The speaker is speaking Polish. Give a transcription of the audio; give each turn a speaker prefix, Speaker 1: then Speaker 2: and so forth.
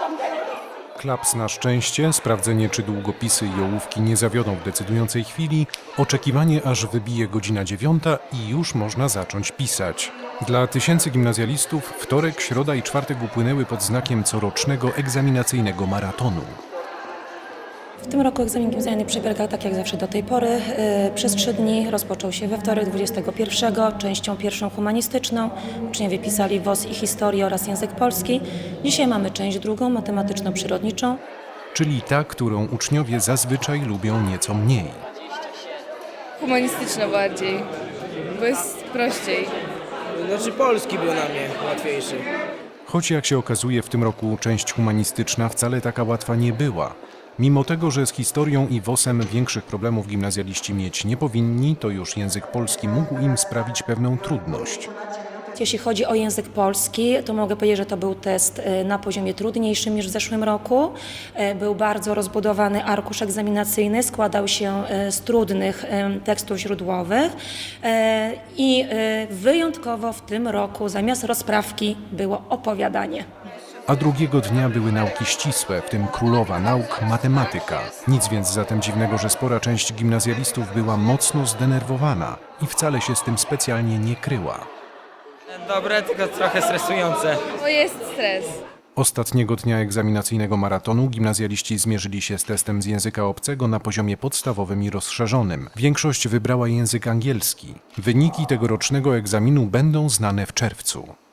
Speaker 1: Klaps na szczęście, sprawdzenie czy długopisy i ołówki nie zawiodą w decydującej chwili, oczekiwanie aż wybije godzina 9 i już można zacząć pisać. Dla tysięcy gimnazjalistów wtorek, środa i czwartek upłynęły pod znakiem corocznego egzaminacyjnego maratonu.
Speaker 2: W tym roku egzamin gimnazjalny przebiegał tak jak zawsze do tej pory. Przez 3 dni rozpoczął się we wtorek 21, częścią pierwszą humanistyczną. Uczniowie pisali WOS i historię oraz język polski. Dzisiaj mamy część drugą, matematyczno-przyrodniczą.
Speaker 1: Czyli ta, którą uczniowie zazwyczaj lubią nieco mniej.
Speaker 3: Humanistyczna bardziej, bo jest prościej.
Speaker 4: Znaczy polski był na mnie łatwiejszy.
Speaker 1: Choć jak się okazuje w tym roku część humanistyczna wcale taka łatwa nie była. Mimo tego, że z historią i WOS-em większych problemów gimnazjaliści mieć nie powinni, to już język polski mógł im sprawić pewną trudność.
Speaker 2: Jeśli chodzi o język polski, to mogę powiedzieć, że to był test na poziomie trudniejszym niż w zeszłym roku. Był bardzo rozbudowany arkusz egzaminacyjny, składał się z trudnych tekstów źródłowych i wyjątkowo w tym roku zamiast rozprawki było opowiadanie.
Speaker 1: A drugiego dnia były nauki ścisłe, w tym królowa nauk matematyka. Nic więc zatem dziwnego, że spora część gimnazjalistów była mocno zdenerwowana i wcale się z tym specjalnie nie kryła.
Speaker 4: Dobre, tylko trochę stresujące.
Speaker 3: Bo jest stres.
Speaker 1: Ostatniego dnia egzaminacyjnego maratonu gimnazjaliści zmierzyli się z testem z języka obcego na poziomie podstawowym i rozszerzonym. Większość wybrała język angielski. Wyniki tegorocznego egzaminu będą znane w czerwcu.